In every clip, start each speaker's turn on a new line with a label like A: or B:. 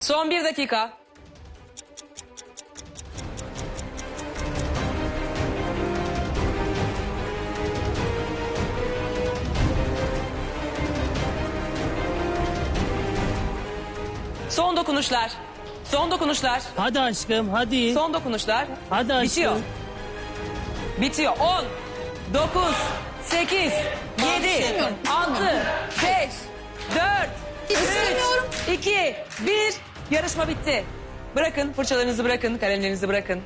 A: Son 1 dakika. Son dokunuşlar. Son dokunuşlar.
B: Hadi aşkım hadi.
A: Son dokunuşlar.
B: Hadi aşkım.
A: Bitiyor. Bitiyor. 10, 9, 8, 7, 6, 5, 4, 3, 2, 1. Yarışma bitti. Bırakın fırçalarınızı bırakın, kalemlerinizi bırakın.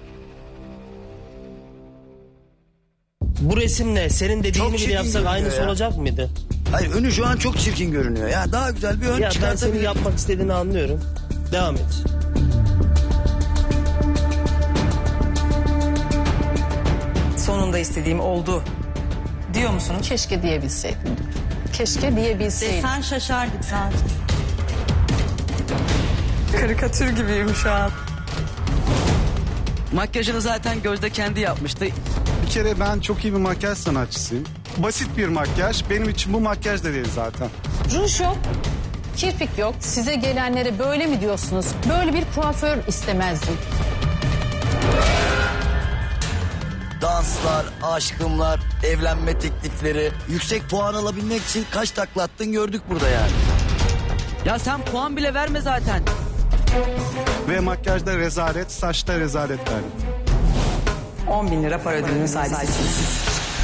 B: Bu resimle senin dediğini
C: Çok
B: bile
C: çirkin
B: yapsak
C: görünüyor
B: aynısı
C: ya.
B: olacak mıydı?
C: Hayır, önü şu an çok çirkin görünüyor. Ya daha güzel bir ön
B: Ya ben senin
C: çıkartabilirim.
B: yapmak istediğini anlıyorum. Devam et.
A: Sonunda istediğim oldu. Diyor musunuz?
D: Keşke diyebilseydim. Keşke diyebilseydim.
E: Sen şaşardık zaten.
A: Karikatür gibiyim şu an.
F: Makyajını zaten Gözde kendi yapmıştı.
G: Bir kere ben çok iyi bir makyaj sanatçısıyım. Basit bir makyaj. Benim için bu makyaj da değil zaten.
D: Ruj yok, kirpik yok. Size gelenlere böyle mi diyorsunuz? Böyle bir kuaför istemezdim.
C: Danslar, aşkımlar, evlenme teklifleri. Yüksek puan alabilmek için kaç takla attın gördük burada yani.
F: Ya sen puan bile verme zaten.
G: Ve makyajda rezalet, saçta rezalet verdim.
A: 10.000 lira para ödülünün sahibisiniz.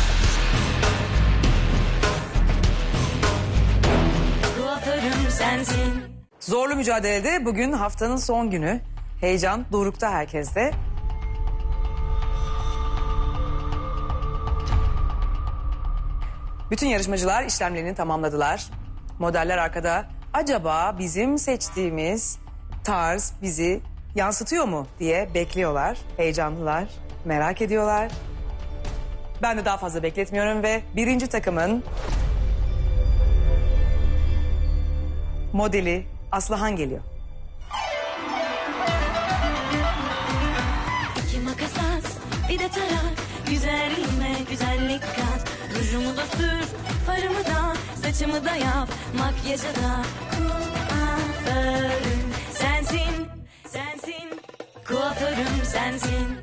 E: Kuaförüm sensin.
A: Zorlu mücadelede bugün haftanın son günü. Heyecan dorukta herkeste. Bütün yarışmacılar işlemlerini tamamladılar. Modeller arkada. Acaba bizim seçtiğimiz tarz bizi yansıtıyor mu diye bekliyorlar. Heyecanlılar, merak ediyorlar. Ben de daha fazla bekletmiyorum ve birinci takımın modeli Aslıhan geliyor.
E: İki makas at, bir de tarak. Güzelliğime güzellik kat. Rujumu da sür, farımı da, saçımı da yap. Makyajı da kuaförüm sensin, sensin. Kuaförüm sensin.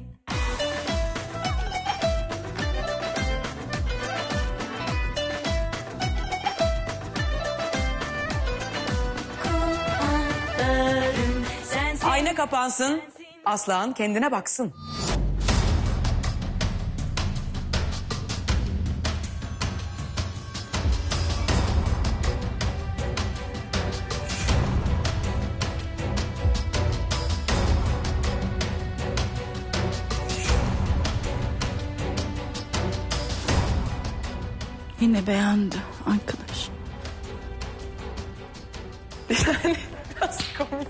E: Kuaförüm sensin.
A: Ayna kapansın, Aslıhan kendine baksın.
E: Yine beğendi arkadaş.
A: Yani biraz komik.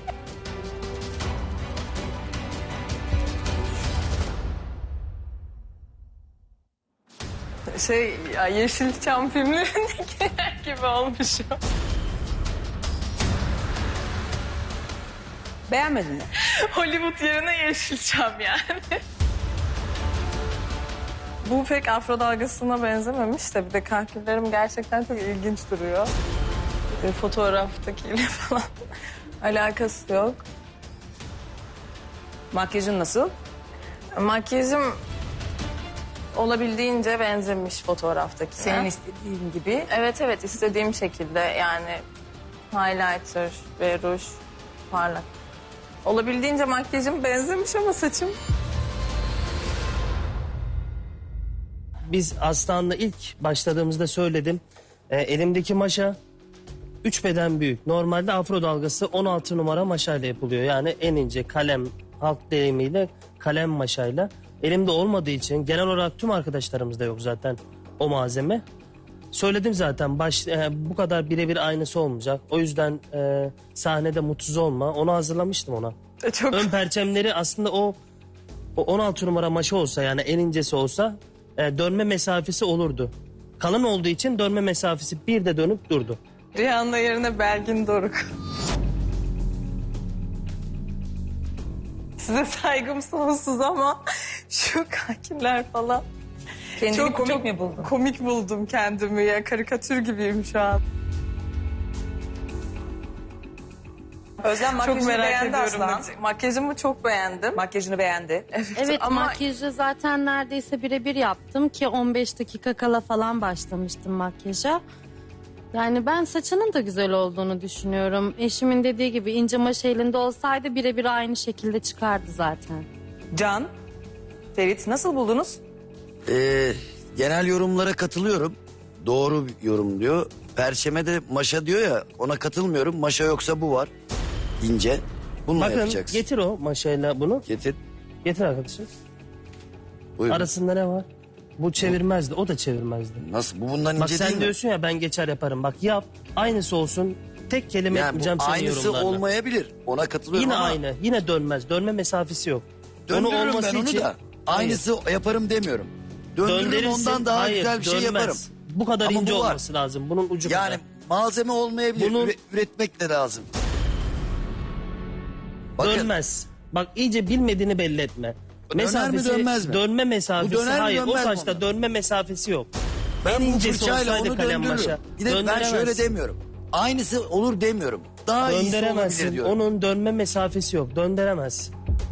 A: Ya Yeşilçam filmlerindekiler gibi olmuşum. Beğenmedin mi?
H: Hollywood yerine Yeşilçam yani. Bu pek afro dalgasına benzememiş de bir de kahküllerim gerçekten çok ilginç duruyor. Fotoğraftakiyle falan alakası yok.
A: Makyajın nasıl?
H: Makyajım olabildiğince benzemiş fotoğraftakine.
A: Senin istediğin gibi.
H: Evet istediğim şekilde yani highlighter ve ruj parlak. Olabildiğince makyajım benzemiş ama saçım...
B: Biz Aslan'la ilk başladığımızda söyledim. Elimdeki maşa 3 beden büyük. Normalde afro dalgası 16 numara maşayla yapılıyor. Yani en ince kalem, halk deyimiyle kalem maşayla. Elimde olmadığı için genel olarak tüm arkadaşlarımızda yok zaten o malzeme. Söyledim zaten bu kadar birebir aynısı olmayacak. O yüzden sahnede mutsuz olma. Onu hazırlamıştım ona.
H: Çok...
B: Ön perçemleri aslında o 16 numara maşa olsa yani en incesi olsa dönme mesafesi olurdu. Kalın olduğu için dönme mesafesi bir de dönüp durdu.
H: Rihanna yerine Belgin Doruk. Size saygım sonsuz ama şu kakiller falan.
A: Kendini komik mi buldun?
H: Komik buldum kendimi ya. Karikatür gibiyim şu an.
A: Özlem
H: Çok
A: makyajını
H: merak
A: beğendi
H: ediyorum.
A: Aslan.
H: Makyajımı çok beğendim.
A: Makyajını beğendi.
I: Evet
H: ama-
I: makyajı zaten neredeyse birebir yaptım ki 15 dakika kala falan başlamıştım makyaja. Yani ben saçının da güzel olduğunu düşünüyorum. Eşimin dediği gibi ince maş elinde olsaydı birebir aynı şekilde çıkardı zaten.
A: Can, Ferit nasıl buldunuz?
C: Genel yorumlara katılıyorum. Doğru bir yorum diyor. Perşeme de maşa diyor ya, ona katılmıyorum. Maşa yoksa bu var. İnce. Bununla
B: Bakın
C: yapacaksın.
B: getir o maşayla bunu.
C: Getir.
B: Getir arkadaşım.
C: Buyurun.
B: Arasında ne var? Bu çevirmezdi. O da çevirmezdi.
C: Nasıl? Bu bundan
B: Bak
C: ince
B: sen
C: değil mi?
B: diyorsun ya ben geçer yaparım. Bak yap. Aynısı olsun. Tek kelime
C: Yani
B: etmeyeceğim
C: bu
B: senin
C: aynısı
B: yorumlarına.
C: olmayabilir. Ona katılıyorum
B: Yine
C: ama
B: aynı. Yine dönmez. Dönme mesafesi yok.
C: döndürürüm ben onu da. Aynısı yaparım demiyorum. Döndürürüm,
B: Döndürürsün.
C: ondan daha
B: Hayır,
C: güzel bir şey
B: dönmez.
C: yaparım.
B: Bu kadar
C: Ama
B: ince
C: bu var.
B: olması lazım. Bunun ucu
C: Yani
B: kadar.
C: malzeme olmayabilir.
B: Bunun-
C: Üretmek de lazım. Bakın,
B: Dönmez. Bak iyice bilmediğini belli etme.
C: Döner mi, dönmez mi?
B: Dönme mesafesi.
C: Bu döner mi,
B: hayır o
C: dönmez mi
B: saçta
C: ondan?
B: dönme mesafesi yok.
C: ben
B: en
C: bu
B: incesi
C: fırçayla
B: olsaydı
C: onu
B: kalem
C: döndürürüm.
B: maşa.
C: Bir de ben şöyle
B: Döndüremezsin.
C: demiyorum. Aynısı olur demiyorum. Daha iyisi olabilir
B: Döndüremezsin.
C: diyorum.
B: Onun dönme mesafesi yok. Döndüremez.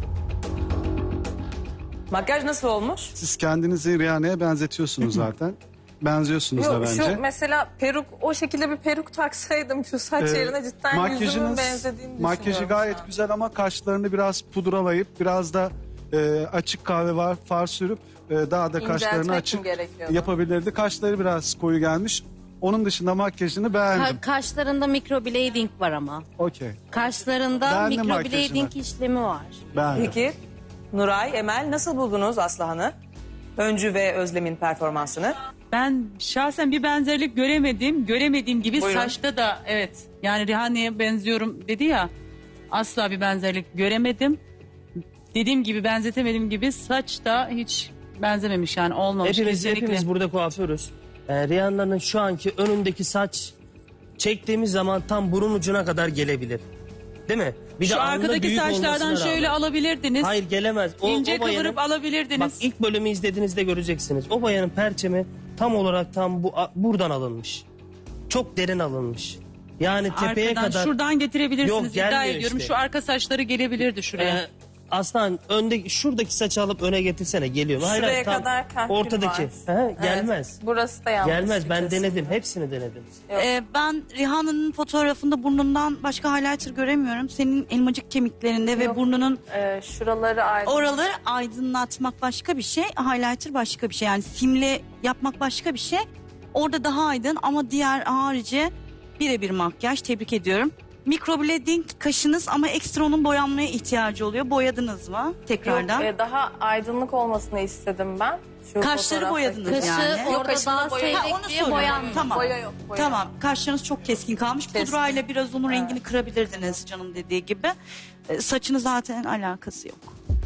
A: Makyaj nasıl olmuş?
G: Siz kendinizi Rihanna'ya benzetiyorsunuz zaten. Benziyorsunuz da
H: Yok
G: bence.
H: şu mesela peruk, o şekilde bir peruk taksaydım şu saç yerine cidden yüzümün benzediğini
G: makyajı
H: düşünüyorum
G: gayet
H: şu an.
G: güzel ama kaşlarını biraz pudralayıp biraz da açık kahve far sürüp daha da kaşlarını
H: İnceltmek mi
G: açık
H: gerekiyordu?
G: yapabilirdi. Kaşları biraz koyu gelmiş. Onun dışında makyajını beğendim.
I: Kaşlarında microblading var ama.
G: Okey.
I: Kaşlarında
G: Beğendim
I: microblading
G: makyajını.
I: işlemi var.
G: Beğendim.
A: Peki Nuray, Emel nasıl buldunuz Aslıhan'ı? Öncü ve Özlem'in performansını.
J: Ben şahsen bir benzerlik göremedim. Göremediğim gibi
A: Buyurun.
J: saçta da evet. Yani Rihanna'ya benziyorum dedi ya. Asla bir benzerlik göremedim. Dediğim gibi benzetemediğim gibi saç da hiç benzememiş yani olmamış kesinlikle.
B: Hepimiz burada kuaförüz. Rihanna'nın şu anki önündeki saç çektiğimiz zaman tam burun ucuna kadar gelebilir. Değil mi? Bir
J: Şu
B: de alnı
J: arkadaki
B: büyük
J: saçlardan
B: olmasına
J: şöyle
B: rağmen.
J: alabilirdiniz.
B: Hayır gelemez.
J: İnce
B: bayanın-
J: kıvırıp alabilirdiniz.
B: Bak ilk bölümü izlediğinizde göreceksiniz. O bayanın perçemi tam olarak tam buradan alınmış. Çok derin alınmış. Yani tepeye
J: Arkadan
B: kadar.
J: şuradan getirebilirsiniz.
B: Yok,
J: İddia
B: gelmiyor
J: ediyorum
B: işte.
J: şu arka saçları gelebilirdi şuraya.
B: Aslan önde şuradaki saçı alıp öne getirsene geliyor. Hayır,
H: Şuraya
B: tam
H: kadar kahkül
B: ortadaki.
H: var.
B: Gelmez.
H: Burası da yanlış.
B: Gelmez.
H: bir
B: Ben
H: kesim.
B: denedim. Hepsini denedim.
K: Ben Rihanna'nın fotoğrafında burnundan başka highlighter göremiyorum. Senin elmacık kemiklerinde ve
H: Yok.
K: burnunun
H: Şuraları aydın.
K: oraları aydınlatmak başka bir şey. Highlighter başka bir şey. Yani simle yapmak başka bir şey. Orada daha aydın ama diğer harici birebir makyaj. Tebrik ediyorum. Microblading kaşınız ama ekstra onun boyanmaya ihtiyacı oluyor. Boyadınız mı tekrardan?
H: Yok, daha aydınlık olmasını istedim ben. Şu
K: Kaşları
H: fotoğraftaki.
K: boyadınız
I: Kaşı
K: yani.
I: orada
H: kaşında
I: daha
H: boya yok.
K: Ha, onu
I: seyrek diye
K: soruyorum.
I: boyanmıyor.
K: Tamam.
H: Boya yok, boya
K: Tamam. Kaşlarınız çok keskin kalmış.
H: Keskin.
K: Pudrayla biraz onun rengini kırabilirdiniz canım dediği gibi. Saçını zaten alakası yok.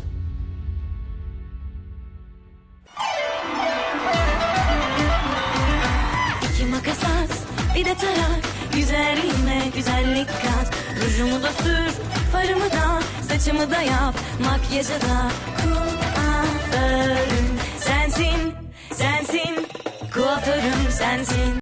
E: İki makas at, bir de tarak. Güzelliğime güzellik kat. Rujumu da sür, farımı da, saçımı da yap. Makyajı da kuaförüm sensin, sensin. Kuaförüm sensin.